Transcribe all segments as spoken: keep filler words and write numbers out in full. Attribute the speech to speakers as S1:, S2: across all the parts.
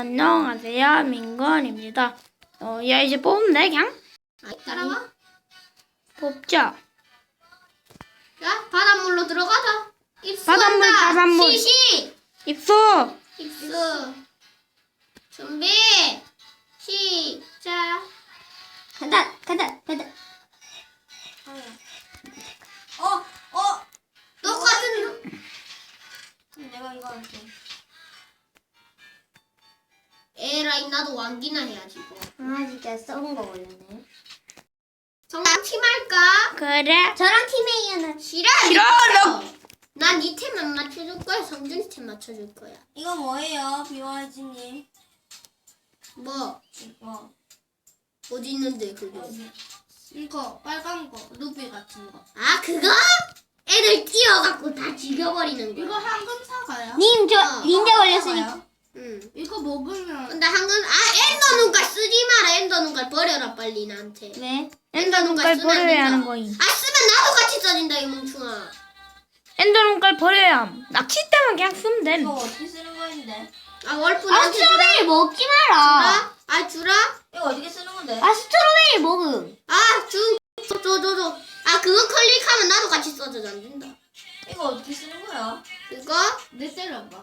S1: 안녕하세요, 민건입니다. 어, 야, 이제 뽑으면 돼, 그냥?
S2: 아, 따라와.
S1: 뽑자.
S2: 야, 바닷물로 들어가자. 입수한다.
S1: 바닷물, 바닷물.
S2: 시시.
S1: 입수!
S2: 입수. 준비. 시작. 간다, 간다, 간다.
S3: 어, 어,
S2: 똑같은.
S3: 내가 이거 할게.
S2: 에라이, 나도 왕기나 해야지 뭐.
S3: 아, 진짜 썩은 거 걸렸네.
S2: 정랑 팀 할까?
S1: 그래.
S3: 저랑 팀메이어는
S2: 싫어.
S1: 싫어,
S2: 난이 템만 맞춰줄 거야. 성준이 템 맞춰줄 거야.
S3: 이거 뭐예요, 비와이즈님?
S2: 뭐
S3: 이거
S2: 어디 있는데 그게?
S3: 이거 빨간 거, 루비 같은 거.
S2: 아, 그거? 애들 뛰어갖고 다 죽여버리는 거야.
S3: 이거 황금 사과야?
S2: 님, 저
S3: 어,
S2: 닌자
S3: 황금
S2: 걸렸으니까.
S3: 사과야?
S2: 응.
S3: 이거 먹으면
S2: 근데 한근 아 엔더 눈깔 쓰지 마라. 엔더 눈깔 버려라 빨리 나한테.
S3: 왜?
S2: 엔더
S1: 눈깔
S2: 쓰면 안
S1: 버려야
S2: 된다.
S1: 하는 거임.
S2: 아, 쓰면 나도 같이 써진다 이 멍충아.
S1: 엔더 눈깔 버려야 함. 낚시 때만 그냥 쓰면 됨.
S3: 이거 어떻게 쓰는 거인데?
S2: 아, 월프
S3: 아,
S2: 나한테 주라.
S3: 스트로베리 먹지 마라.
S2: 주라? 아, 주라?
S3: 이거 어떻게 쓰는 건데?
S2: 아, 스트로베리 먹음. 아, 주. 줘, 줘, 줘, 줘. 아, 그거 클릭하면 나도 같이 써져 안 된다.
S3: 이거 어떻게 쓰는 거야?
S2: 이거?
S3: 내 때려봐.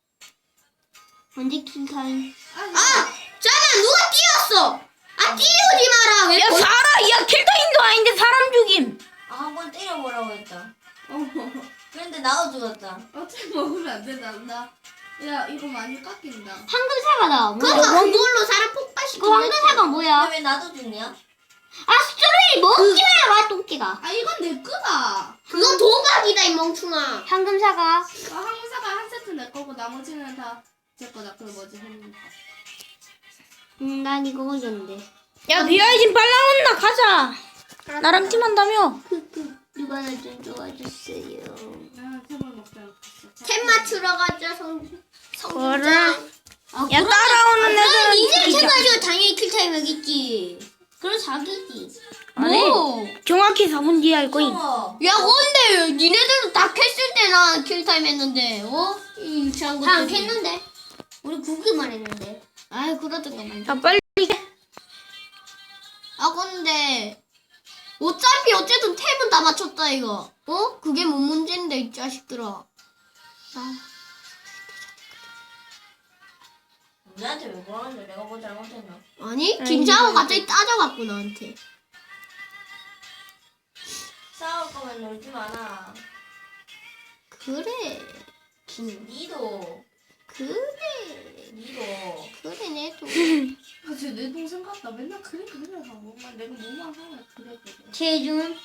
S2: 언제 킹타임?
S3: 아,
S2: 아, 잠깐 누가 뛰었어? 아, 뛰우지 마라. 왜?
S1: 야,
S2: 거-
S1: 사람, 야, 킬타임도 아닌데 사람 죽임.
S3: 아, 한 번 때려보라고 했다. 그런데 나도 죽었다.
S4: 어차피 먹으면 안 된다. 나, 야, 이거 많이 깎인다.
S2: 황금 사과다. 그거 그걸로 사람 폭발시키는. 그 황금 사과 뭐야?
S3: 근데 왜 나도 죽냐?
S2: 아, 스트로베리 먹지 마라, 똥띠가.
S4: 아, 이건 내 거다.
S2: 그건 도박이다, 이 멍충아. 황금 사과.
S4: 아, 항사가 한 세트 내 거고 나머지는 다 제 거다. 그 뭐지? 음.
S2: 음, 난 이거 걸렸는데.
S1: 야, 비아이진 빨라 온나 가자. 나랑 팀한다며.
S2: 누가 나 좀 도와주세요.
S4: 아, 템을 먹지 않겠어.
S2: 템 맞추러 가자, 성.
S1: 그래.
S2: 아,
S1: 야, 따라오는 애들은
S2: 니들 템
S1: 죽이자.
S2: 가지고 당연히 킬타임 여기있지. 그럼 자기지.
S1: 아니, 정확히 사 분 뒤에 할 거임.
S3: 어.
S2: 야, 근데 니네들도 다 캤을 때 나 킬타임 했는데, 어? 이 유치한 거. 다안 캤는데? 우리 구기만 했는데. 아이, 그러던가 말이야.
S1: 야, 빨리.
S2: 아, 근데 어차피 어쨌든 템은 다 맞췄다 이거. 어? 그게 뭔 문제인데 이 자식들아. 아,
S3: 우리한테 왜 그러는데? 내가 뭐 잘못했나?
S2: 아니
S1: 아니,
S2: 김장호
S1: 이거,
S2: 갑자기 따져갖고 나한테.
S3: 싸울 거면 놀지 마라.
S2: 그래. 김.
S3: 니도,
S2: 그래.
S3: 니도.
S2: 그래 내도.
S4: 아, 쟤내 동생 같다. 맨날 그래, 그래 하고. 막 내가 뭐만 하면 그래, 그래.
S2: 최준.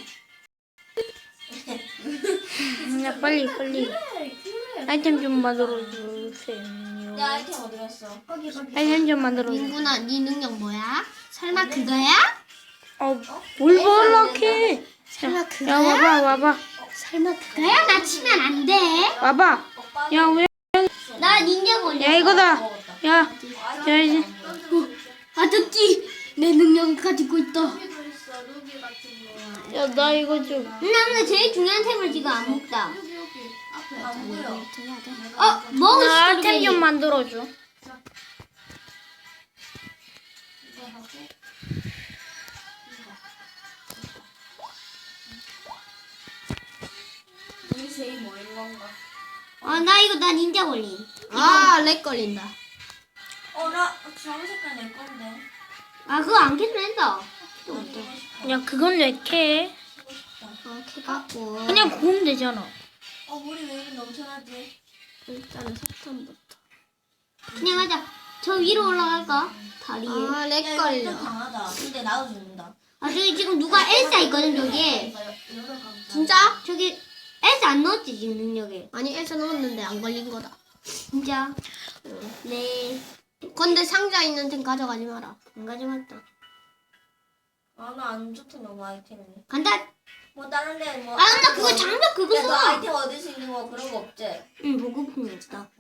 S1: 야, 빨리, 빨리.
S4: 그래, 그래.
S1: 아이템 좀 만들어 주세요.
S3: 내 아이템 어디 갔어?
S4: 거기, 거기.
S1: 아이템 좀 만들어 주세요.
S2: 민구나 네 능력 뭐야? 설마 그거야?
S1: 어, 뭘 볼락해?
S2: 설마
S1: 야,
S2: 그거야?
S1: 와봐, 와봐.
S2: 설마 그거야? 나 치면 안 돼.
S1: 와봐.
S3: 오빠.
S1: 야, 왜?
S2: 나 닌자 걸려.
S1: 야, 이거다.
S3: 먹었다.
S1: 야, 야, 이제.
S2: 아저씨 내 능력을 가지고 있다.
S4: 여기도 있어, 루비 같은 거.
S1: 야, 나 이거 좀.
S2: 나는 제일 중요한 템을 지금 안 먹다.
S4: 여기, 여기. 앞에.
S3: 안 보여.
S2: 어, 먹을
S1: 나
S2: 수
S1: 아이템 좀 만들어줘.
S4: 이거 하고.
S3: 우리 제일 뭐인 건가?
S2: 아, 나 이거 나 닌자 걸림. 아, 렉 걸린다.
S3: 어, 나 주황 색깔 내 건데.
S2: 아, 그거 안 켜도 된다.
S3: 이거 싶어.
S1: 야, 그건 왜 캐?
S2: 어, 켜갖고.
S1: 그냥 구우면 되잖아.
S3: 어, 물이 왜 이렇게 넘쳐나지?
S2: 일단은 석탄부터. 그냥 하자. 저 위로 올라갈까? 다리에. 아, 렉
S3: 야, 이거 좀 강하다. 근데 나도 죽는다.
S2: 아, 저기 지금 누가 엘사 있거든, 저기. 진짜? 저기 엘사 안 넣었지, 지금 능력에. 아니, 엘사 넣었는데 안 걸린 거다. 진짜? 네. 근데 상자 있는 템 가져가지 마라. 안 가져갔다.
S3: 아, 나 안 좋대, 너무 아이템이.
S2: 간다.
S3: 뭐, 다른 데 뭐.
S2: 아, 근데 그거 장벽 그거
S3: 야, 너
S2: 써.
S3: 아이템 얻을 수 있는 거 그런 거 없지?
S2: 응, 보급품이 없다.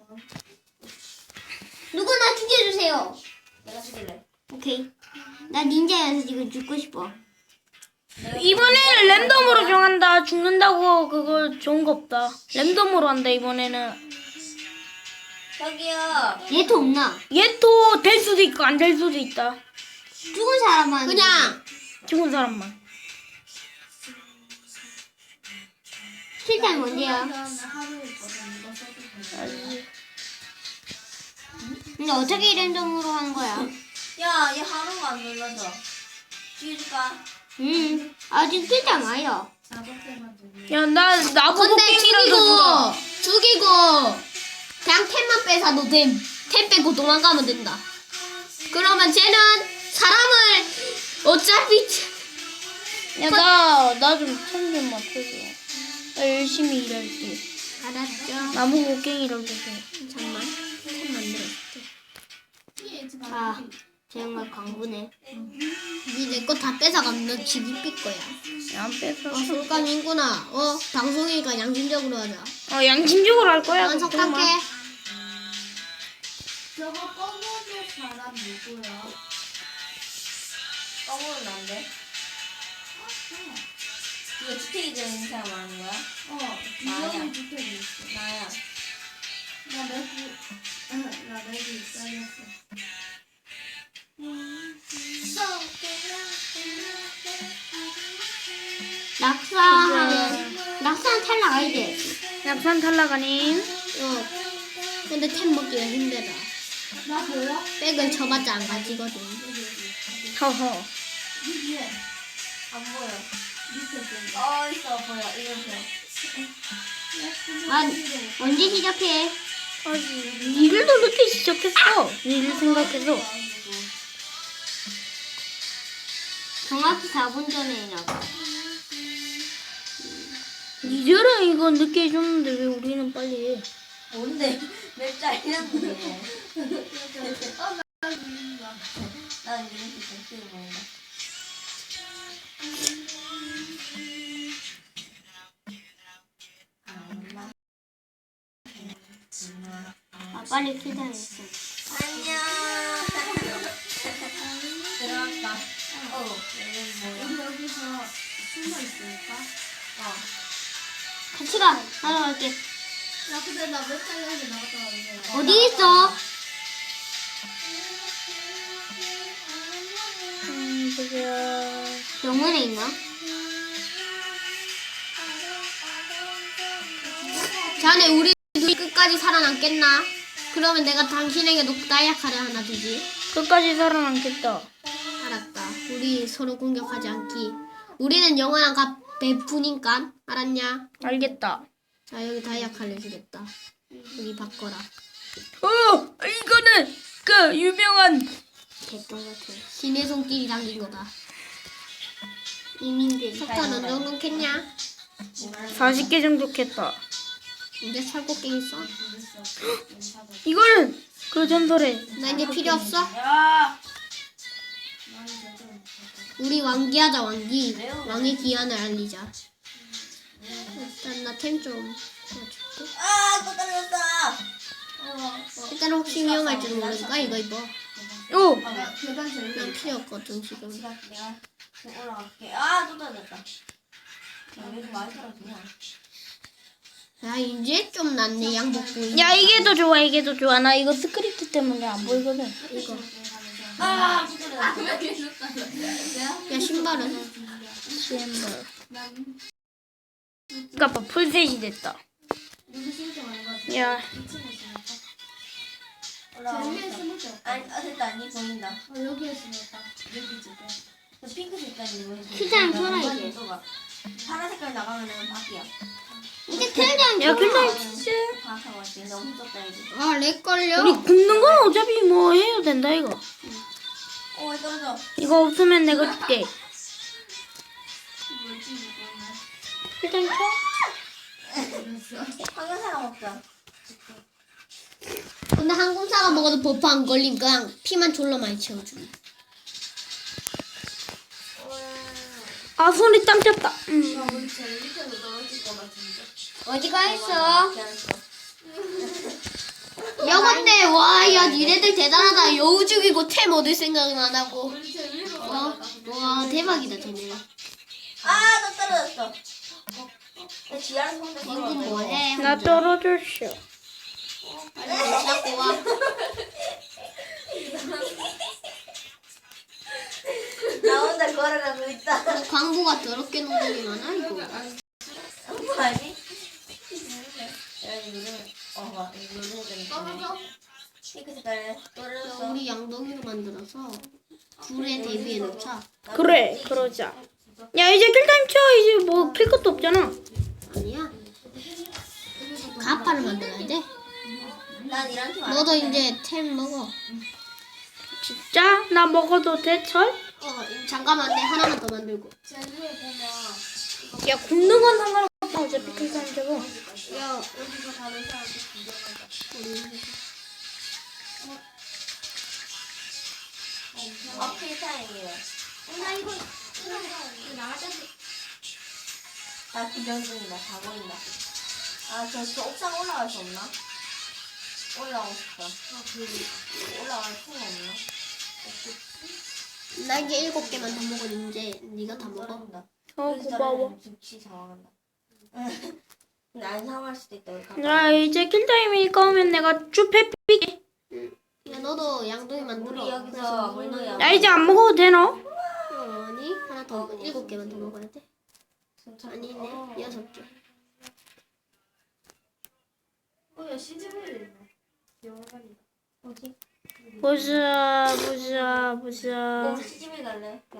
S2: 누구 나 죽여주세요.
S3: 내가 죽일래.
S2: 오케이. 나 닌자여서 지금 죽고 싶어.
S1: 이번에는 랜덤으로 정한다. 죽는다고 그거 좋은 거 없다. 랜덤으로 한다, 이번에는.
S3: 저기요.
S2: 얘도 없나?
S1: 얘 또 될 수도 있고 안 될 수도 있다.
S2: 죽은 사람만. 그냥
S1: 죽은 사람만.
S2: 실장 뭔데요?
S4: 하루 있거든. 이거 써도 돼.
S2: 근데 어떻게 랜덤으로 한 거야?
S3: 야, 얘 하루가 안 눌러져. 지울까?
S2: 음, 아직 실장 와요.
S4: 작업대만 되면.
S1: 야, 나 나보고
S2: 근데
S1: 깽이라도 주라.
S2: 죽이고 죽이고 그냥 템만 빼사도 됨. 템 빼고 도망가면 된다. 그러면 쟤는 사람을 어차피
S1: 야, 나 나 좀 템 좀 맞춰줘. 나 열심히 일할게.
S2: 알았죠.
S1: 나보고 깽이라도 줘.
S2: 잠만 템 만들어줄게. 아 정말 광부네. 니 내 거 다 뺏어가면 너 지기 삐 거야.
S1: 야, 안 뺏어.
S2: 어 술감인구나. 어 방송이니까 양심적으로 하자.
S1: 어, 양심적으로 할 거야.
S2: 난
S1: 걱정 마.
S2: 석탁해.
S4: 저거 검은색 사람 누구야?
S3: 떠보면 안 돼. 이거 주택이 되는 사람 아는 거야?
S4: 어,
S3: 나야.
S4: 이형이 주택이 있어.
S3: 나야.
S4: 나 내부, 나 내부 있어야겠어.
S2: 낙산 낙산 탈락 아니지?
S1: 약산 탈락 아님.
S2: 어. 근데 템 먹기가 힘들어.
S4: 나 보여?
S2: 백을 쳐봤자 안 가지거든.
S1: 허허.
S4: 위에
S3: 안 보여.
S4: 밑에 좀.
S3: 어, 있어. 보여. 이건 보여.
S2: 아 언제 시작해?
S1: 아직 니를 더 늦게 시작했어. 니를 생각해서.
S2: 정확히 사 분 전에 나가.
S1: 니들은 이거 늦게 해줬는데 왜 우리는 빨리 해?
S3: 뭔데? 몇 짜리였는데?
S4: 어, 나 믿는다.
S3: 난 이렇게 정치를 먹는다.
S2: 아 빨리 기다렸어.
S3: 안녕. 들어왔다. 어, 여기 뭐야?
S4: 우리 여기서 숨어 있을까?
S3: 어.
S2: 같이 가. 따라갈게.
S4: 야, 근데 나 몇 달러에 나갔다 왔는데.
S2: 어디 있어?
S1: 음, 보자.
S2: 병원에 있나? 자네 우리 둘이 끝까지 살아남겠나? 그러면 내가 당신에게 녹다 약화를 하나 주지.
S1: 끝까지 살아남겠다.
S2: 알았다. 우리 서로 공격하지 않기. 우리는 영원한 가 베푸니까 알았냐?
S1: 알겠다.
S2: 자 여기 다이아칼을 주겠다. 우리 바꿔라.
S1: 어, 이거는 그 유명한
S2: 개똥 같아. 신의 손길이 담긴 거다. 이민들. 석탄 어느 정도 캤냐?
S1: 사십 개 정도 캤다.
S2: 이제 살곡갱 있어?
S1: 이거는 그 전설에
S2: 나 이제 필요 없어?
S3: 야!
S2: 우리 왕기하자 왕기. 왕의 기한을 알리자. 일단 나 템 좀 줄게.
S3: 아, 또 떨어졌어.
S2: 일단 혹시 위험할 줄 모르니까 이거 입어.
S1: 오,
S4: 야, 계단 제일
S2: 난 필요 없거든 지금.
S3: 내가 내가 좀 올라갈게. 아, 또 떨어졌다. 야, 왜 이렇게 많이 떨어지냐?
S2: 야 이제 좀 낫네 양복부.
S1: 야 이게 더 좋아, 이게 더 좋아. 나 이거 스크립트 때문에 안 보이거든.
S2: 이거.
S3: 아, 또 떨어졌다.
S2: 야 신발은?
S1: 시엠벌. 아까 풀셋이 됐다.
S4: 누구 신청하는 거지?
S1: 야,
S3: 올라가.
S4: 제일 스무개 없다.
S3: 아니, 아, 됐다. 니 보인다.
S4: 어, 여기에 있으니까. 여기 집에.
S3: 그 핑크 색깔이 뭐지?
S2: 시장 펴라, 이제.
S3: 파란 색깔 나가면은 밖이야.
S2: 이제 틀장
S1: 야 근데 진짜
S3: 파랗다고 왔지. 너무 mus었다 이제.
S2: 아렉 걸려.
S1: 우리 굽는 건 어차피 뭐 해도 된다 이거.
S3: 어, 왜 떨어져?
S1: 이거 없으면 내가 줄게.
S4: 뭐지, 이거는?
S1: 일단 켜.
S3: 황금사랑 먹자.
S2: 근데 항공사가 먹어도 버프 안 걸림. 그냥 피만 졸라 많이 채워주기.
S1: 아 손이 땀 쪘다. 음.
S4: 야, 우리 제일 밑에서 떨어질 것 같은데.
S2: 어디가 있어?
S3: 괜찮았어.
S2: 야 근데 와야 니네들 대단하다. 여우 죽이고 템 얻을 생각은 안 하고.
S4: 우리 제일 위로
S2: 어?
S4: 올라가.
S2: 와 대박이다 쟤네.
S3: 아, 또 떨어졌어. 나 지하를 손대
S2: 이건 뭐해?
S1: 나 떨어졌어.
S2: 빨리 닦고 와.
S3: 나 혼자 걸어가고 있다.
S2: 너 광부가 더럽게 녹는 게 많아 이거.
S3: 아니? 야 이거 누르면 어 봐. 이거 누르면 되는
S4: 떨어져.
S3: 핑크 색깔 떨어졌어.
S2: 우리 양동이로 만들어서 불에 대비해 놓자.
S1: 그래, 그러자. 야, 이제 킬타임 쳐. 이제 뭐 필 것도 없잖아.
S2: 아니야. 가파를 만들어야 돼.
S3: 난 이런 팀 안.
S2: 너도 이제 템 먹어.
S1: 진짜? 나 먹어도 돼, 철?
S2: 어 잠깐만 내 하나만 더 만들고.
S4: 쟤네 보면
S1: 야, 굽는 건 상관없어. 어차피 킬타임 쳐고.
S2: 야
S4: 여기서 다른 사람들 구경하자.
S2: 우리
S3: 아 필타임이래.
S2: 나 이거
S4: 나가자지.
S3: 나 구경 중이다. 다 보인다. 아저 저 옥상 올라갈 수 없나? 올라가고 싶다. 올라갈 수가 없나?
S2: 날개 일곱 개만 더 먹어 이제 네가 다 먹어.
S3: 모른다.
S1: 어, 고마워.
S3: 즉시 당황한다. 근데 안 상할 수도 있다. 우리 가방.
S1: 야, 이제 킬타임이니까 오면 내가 쭉 패삐게.
S2: 야 너도 양동이 만들어.
S3: 우리 여기서
S2: 그래서
S3: 물놀이
S2: 먹으면-
S1: 야, 이제 안 먹어도 돼, 너?
S2: 어, 아니 하나 더 일곱 개만 더 먹어야 돼. 아니네 여섯 개.
S4: 어야 시즈벨이 있네. 영화관이다.
S3: 어디?
S1: 보자, 보자, 보자.
S3: 우리 시집에 갈래?